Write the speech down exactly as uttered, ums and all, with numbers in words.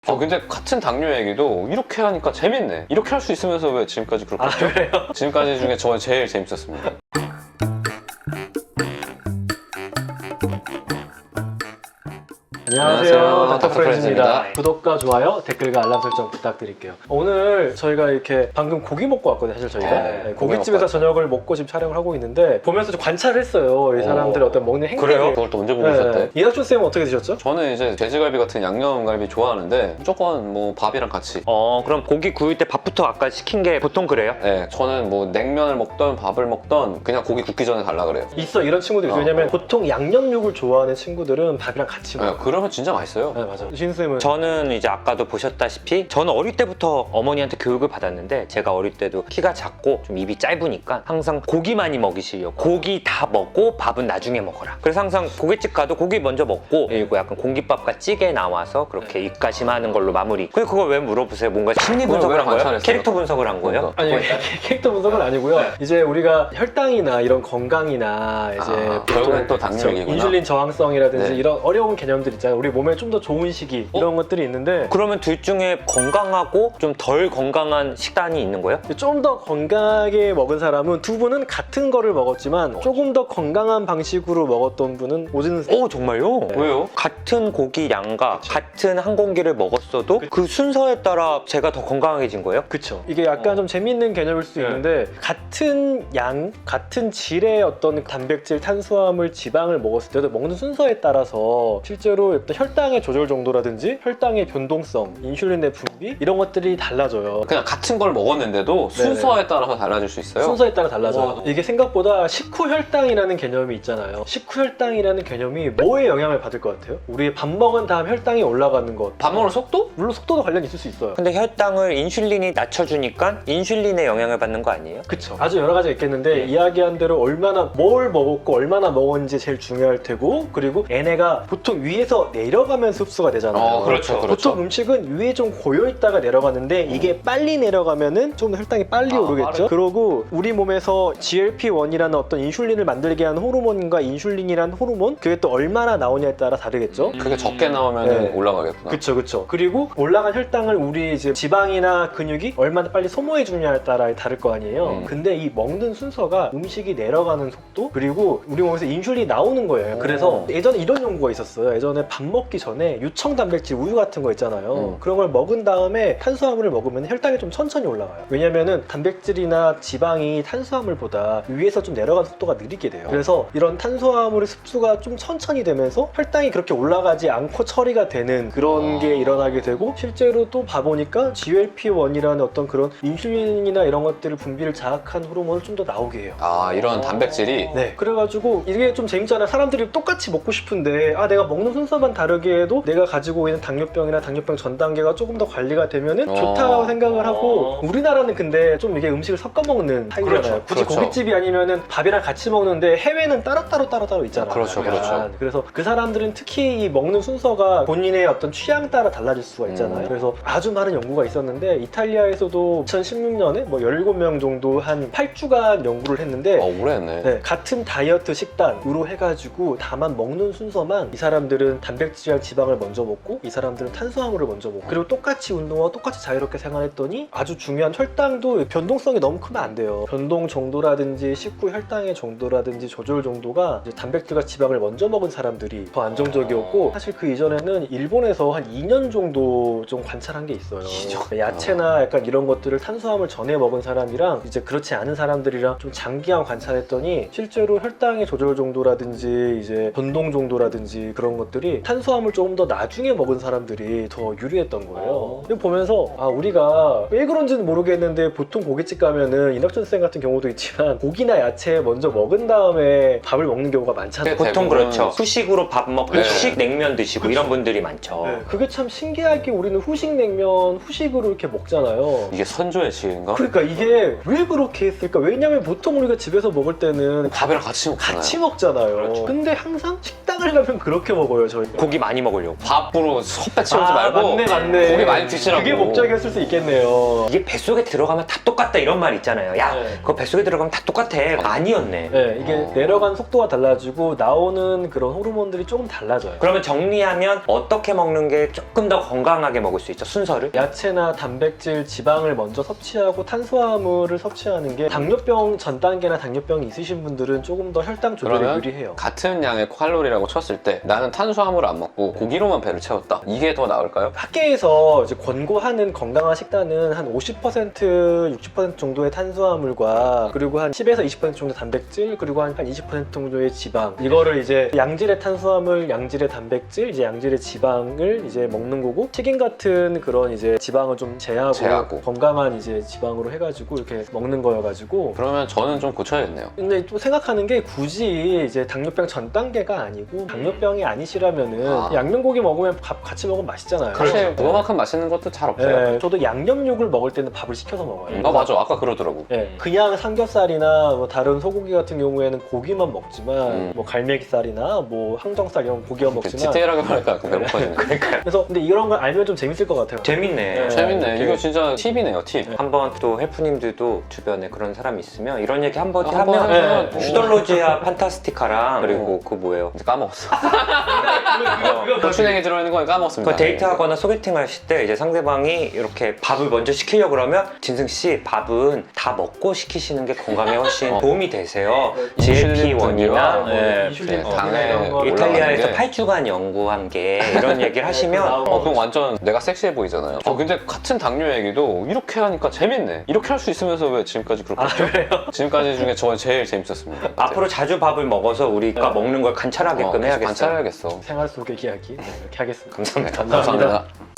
어 근데 같은 당뇨 얘기도 이렇게 하니까 재밌네. 이렇게 할 수 있으면서 왜 지금까지 그렇게 아, 했죠? 그래요? 지금까지 중에 저 제일 재밌었습니다. 안녕하세요, 안녕하세요. 닥터 프렌즈입니다. 닥터프렌즈입니다. 구독과 좋아요, 댓글과 알람 설정 부탁드릴게요. 오늘 저희가 이렇게 방금 고기 먹고 왔거든요, 사실 저희가. 네, 네, 고기 고깃집에서 먹고 저녁을 먹고 지금 촬영을 하고 있는데 보면서 좀 관찰을 했어요. 이 사람들의 오. 어떤 먹는 행태. 그래요? 그걸 또 언제 보고 있었대? 이낙준 쌤은 어떻게 드셨죠? 저는 이제 돼지갈비 같은 양념갈비 좋아하는데 무조건 뭐 밥이랑 같이. 어 그럼 고기 구울 때 밥부터 아까 시킨 게 보통 그래요? 네, 저는 뭐 냉면을 먹던 밥을 먹던 그냥 고기 굽기 전에 달라 그래요. 있어, 이런 친구들이 있어요. 어. 왜냐면 보통 양념육을 좋아하는 친구들은 밥이랑 같이 네, 먹어요. 그러면 진짜 맛있어요. 네, 맞아. 신 쌤은 저는 이제 아까도 보셨다시피 저는 어릴 때부터 어머니한테 교육을 받았는데 제가 어릴 때도 키가 작고 좀 입이 짧으니까 항상 고기 많이 먹이시려고 고기 다 먹고 밥은 나중에 먹어라. 그래서 항상 고깃집 가도 고기 먼저 먹고 그리고 약간 공깃밥과 찌개 나와서 그렇게 입가심하는 걸로 마무리. 근데 그걸 왜 물어보세요? 뭔가 심리 그걸 분석을 왜 한 거예요? 관찰했어요? 캐릭터 분석을 한 거예요? 아니 캐릭터 분석은 아니고요. 이제 우리가 혈당이나 이런 건강이나 이제 아, 보통 결국엔 또 당뇨 그쵸, 얘기구나. 인슐린 저항성이라든지 네. 이런 어려운 개념들 있잖아요. 우리 몸에 좀 더 좋은 시기 어? 이런 것들이 있는데 그러면 둘 중에 건강하고 좀 덜 건강한 식단이 있는 거예요? 좀 더 건강하게 먹은 사람은 두 분은 같은 거를 먹었지만 조금 더 건강한 방식으로 먹었던 분은 오진 오 정말요? 왜요? 같은 고기 양과 같은 한 공기를 먹었어도 그 순서에 따라 제가 더 건강해진 거예요? 그쵸. 이게 약간 어. 좀 재밌는 개념일 수 네. 있는데 같은 양, 같은 질의 어떤 단백질, 탄수화물, 지방을 먹었을 때도 먹는 순서에 따라서 실제로 어떤 혈당의 조절 정도라든지 혈당의 변동성, 인슐린의 분비 이런 것들이 달라져요. 그냥 같은 걸 먹었는데도 순서에 따라서 달라질 수 있어요? 순서에 따라 달라져요. 와. 이게 생각보다 식후혈당이라는 개념이 있잖아요. 식후혈당이라는 개념이 뭐에 영향을 받을 것 같아요? 우리 밥 먹은 다음 혈당이 올라가는 것. 밥 먹는 속도? 물론 속도도 관련이 있을 수 있어요. 근데 혈당을 인슐린이 낮춰주니까 인슐린의 영향을 받는 거 아니에요? 그쵸. 아주 여러 가지가 있겠는데 예. 이야기한 대로 얼마나 뭘 먹었고 얼마나 먹었는지 제일 중요할 테고 그리고 얘네가 보통 위에서 내려가면서 흡수가 되잖아요. 어, 그렇죠, 그렇죠. 보통 음식은 위에 좀 고여있다가 내려가는데 이게 빨리 내려가면은 좀 더 혈당이 빨리 아, 오르겠죠. 빠르- 그러고 우리 몸에서 지엘피 원이라는 어떤 인슐린을 만들게 하는 호르몬과 인슐린이라는 호르몬 그게 또 얼마나 나오냐에 따라 다르겠죠. 그게 적게 나오면 네. 올라가겠구나. 그쵸 그쵸. 그리고 올라간 혈당을 우리 이제 지방이나 근육이 얼마나 빨리 소모해 주냐에 따라 다를 거 아니에요. 음. 근데 이 먹는 순서가 음식이 내려가는 속도 그리고 우리 몸에서 인슐린이 나오는 거예요. 오. 그래서 예전에 이런 연구가 있었어요. 예전에 밥 먹기 전에 유청 단백질 우유 같은 거 있잖아요. 음. 그런 걸 먹은 다음에 탄수화물을 먹으면 혈당이 좀 천천히 올라가요. 왜냐면은 단백질이나 지방이 탄수화물보다 위에서 좀 내려가는 속도가 느리게 돼요. 그래서 이런 탄수화물의 흡수가 좀 천천히 되면서 혈당이 그렇게 올라가지 않고 처리가 되는 그런 아. 게 일어나게 되고 실제로 또 봐보니까 지엘피 원이라는 어떤 그런 인슐린이나 이런 것들을 분비를 자극한 호르몬을 좀 더 나오게 해요. 아 이런 단백질이 네. 그래가지고 이게 좀 재밌잖아요. 사람들이 똑같이 먹고 싶은데 아 내가 먹는 순서만 다르게 해도 내가 가지고 있는 당뇨병이나 당뇨병 전 단계가 조금 더 관리가 되면은 어. 좋다고 생각을 하고 어. 우리나라는 근데 좀 이게 음식을 섞어 먹는 타입이잖아요. 그렇죠, 굳이 그렇죠. 고깃집이 아니면은 밥이랑 같이 먹는데 해외는 따로따로 따로따로 있잖아요. 그렇죠, 약간. 그렇죠. 그래서 그 사람들은 특히 이 먹는 순서가 본인의 어떤 취향 따라 달라질 수가 있잖아요. 음. 그래서 아주 많은 연구가 있었는데 이탈리아에서도 이천십육 년에 뭐 열일곱 명 정도 한 팔 주간 연구를 했는데 어 오래 했네. 네, 같은 다이어트 식단으로 해가지고 다만 먹는 순서만 이 사람들은 단백질이랑 지방을 먼저 먹고 이 사람들은 탄수화물을 먼저 먹고 그리고 똑같이 운동하고 똑같이 자유롭게 생활했더니 아주 중요한 혈당도 변동성이 너무 크면 안 돼요. 변동 정도라든지 식후 혈당의 정도라든지 조절 정도가 이제 단백질과 지방을 먼저 먹은 사람들이 더 안정적이었고 사실 그 이전에는 일본에서 한 이 년 정도 좀 관찰한 게 있어요. 야채나 약간 이런 것들을 탄수화물 전에 먹은 사람이랑 이제 그렇지 않은 사람들이랑 좀 장기간 관찰했더니 실제로 혈당의 조절 정도라든지 이제 변동 정도라든지 그런 것들이 탄수화물 조금 더 나중에 먹은 사람들이 더 유리했던 거예요. 이거 보면서 아 우리가 왜 그런지는 모르겠는데 보통 고깃집 가면은 이낙준 쌤 같은 경우도 있지만 고기나 야채 먼저 먹은 다음에 밥을 먹는 경우가 많잖아요. 네, 보통 대부분- 그렇죠. 후식으로 밥 먹고 네. 후식 냉면 드시고 이런 분들이 많죠. 네, 그게 참 신기하게 우리는 후식 냉면 후식으로 이렇게 먹잖아요. 이게 선조의 지혜인가? 그러니까 이게 왜 그렇게 했을까? 왜냐면 보통 우리가 집에서 먹을 때는 밥이랑 같이 먹잖아요. 같이 먹잖아요. 그렇죠. 근데 항상 식당 식당을 가면 그렇게 먹어요 저희. 고기 많이 먹으려고. 밥으로 헛배 채우지 아, 말고 맞네 맞네. 고기 많이 드시라고. 그게 목적이었을 수 있겠네요. 이게 뱃속에 들어가면 다 똑같다 이런 말 있잖아요. 야, 네. 그거 뱃속에 들어가면 다 똑같아. 아니었네. 네, 이게 어. 내려가는 속도가 달라지고 나오는 그런 호르몬들이 조금 달라져요. 그러면 정리하면 어떻게 먹는 게 조금 더 건강하게 먹을 수 있죠? 순서를? 야채나 단백질, 지방을 먼저 섭취하고 탄수화물을 섭취하는 게 당뇨병 전 단계나 당뇨병이 있으신 분들은 조금 더 혈당 조절에 그러면 유리해요. 같은 양의 칼로리라고 쳤을 때 나는 탄수화물을 안 먹고 고기로만 배를 채웠다. 이게 더 나을까요? 학계에서 이제 권고하는 건강한 식단은 한 오십 퍼센트, 육십 퍼센트 정도의 탄수화물과 그리고 한 십에서 이십 퍼센트 정도 단백질 그리고 한 이십 퍼센트 정도의 지방 이거를 이제 양질의 탄수화물, 양질의 단백질, 이제 양질의 지방을 이제 먹는 거고 튀김 같은 그런 이제 지방을 좀 제하고, 제하고. 건강한 이제 지방으로 해가지고 이렇게 먹는 거여가지고 그러면 저는 좀 고쳐야겠네요. 근데 또 생각하는 게 굳이 이제 당뇨병 전 단계가 아니고 당뇨병이 아니시라면은 아. 양념고기 먹으면 밥 같이 먹으면 맛있잖아요. 사실 그거만큼 맛있는 것도 잘 없어요. 네, 저도 양념육을 먹을 때는 밥을 시켜서 먹어요. 아 맞아, 아까 그러더라고. 네, 그냥 삼겹살이나 뭐 다른 소고기 같은 경우에는 고기만 먹지만 음. 뭐 갈매기살이나 뭐 항정살 이런 고기만 먹지만 디테일하게 말하니까 약간 배고파지네. 그러니까요. 그래서 근데 이런 걸 알면 좀 재밌을 것 같아요. 재밌네. 네. 재밌네. 이렇게. 이거 진짜 팁이네요, 팁. 한번 또 헬프님들도 주변에 그런 사람이 있으면 이런 얘기 한번 아, 한번 하면 하면 네. 슈덜로지아 판타스티카랑 그리고 그 뭐예요? 이제 까먹었어. 고추냉이 들어있는 건 까먹었습니다. 그 데이트하거나 소개팅 하실 때 이제 상대방이 이렇게 밥을 먼저 시키려고 그러면 진승 씨 밥은 다 먹고 시키시는 게 건강에 훨씬 어. 도움이 되세요. 인슐린 지엘피원이나 등이와 네, 인슐린 네, 어, 당에 이런 거 올라가는 이탈리아에서 게. 팔 주간 연구한 게 이런 얘기를 하시면 어, 그럼 완전 내가 섹시해 보이잖아요. 어, 근데 같은 당뇨 얘기도 이렇게 하니까 재밌네. 이렇게 할 수 있으면서 왜 지금까지 그렇게 아 했죠? 그래요? 지금까지 중에 저 제일 재밌었습니다. 앞으로 자주 밥을 먹어서 우리가 네. 먹는 걸 관찰하게끔 어, 계속 해야겠어요. 관찰해야겠어. 생활 속의 이야기 네, 이렇게 하겠습니다. 감사합니다. 감사합니다. 감사합니다.